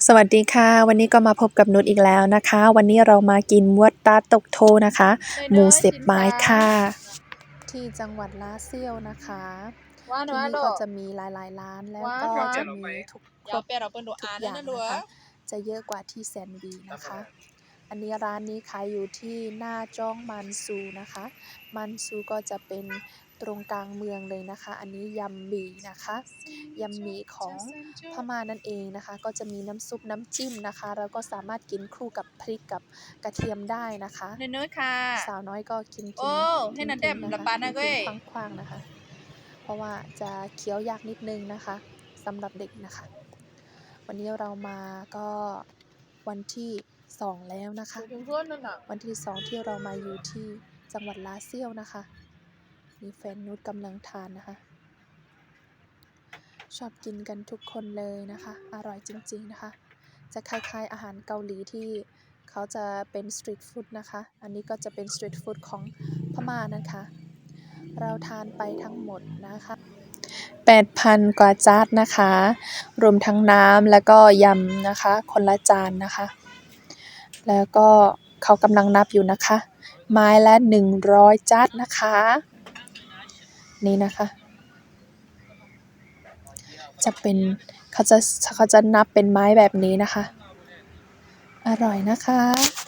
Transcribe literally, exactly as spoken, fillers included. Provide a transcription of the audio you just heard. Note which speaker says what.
Speaker 1: สวัสดีค่ะวันนี้ก็มาพบกับนุชอีกแล้วนะคะวันนี้เรามากินมวดตาตกโทนะคะหมูเสียบไม้ค่ะที่จังหวัดลาเซียวนะคะที่นี่ก็จะมีหลายๆร้านแล้วก็จะมีทุกครบทุกอย่างนะคะจะเยอะกว่าที่แซนบีนะคะอันนี้ร้านนี้ขายอยู่ที่หน้าจ้องมันซูนะคะมันซูก็จะเป็นตรงกลางเมืองเลยนะคะอันนี้ยำหมี่นะคะยำหมี่ของพม่านั่นเองนะคะก็จะมีน้ำซุปน้ำจิ้มนะคะแล้วก็สามารถกินคู่กับพริกกับกระเทียมได้นะคะ
Speaker 2: เนื้อค่ะ
Speaker 1: สาวน้อยก็กินกิน
Speaker 2: โอ้ให้นันเดมละปานะเว้ย
Speaker 1: กินคว้างๆนะคะเพราะว่าจะเคี้ยวยากนิดนึงนะคะสำหรับเด็กนะคะวันนี้เรามาก็วันที่สองแล้วนะคะวันที่สองที่เรามาอยู่ที่จังหวัดลาเซียวนะคะมีแฟนนุชกำลังทานนะคะชอบกินกันทุกคนเลยนะคะอร่อยจริงๆนะคะจะคล้ายๆอาหารเกาหลีที่เขาจะเป็นสตรีทฟู้ดนะคะอันนี้ก็จะเป็นสตรีทฟู้ดของพม่านะคะเราทานไปทั้งหมดนะคะ แปดพัน กว่าจานนะคะรวมทั้งน้ำแล้วก็ยำนะคะคนละจานนะคะแล้วก็เขากำลังนับอยู่นะคะไม้ละหนึ่งร้อยจานนะคะนี่นะคะจะเป็นเขาจะเขาจะนับเป็นไม้แบบนี้นะคะอร่อยนะคะ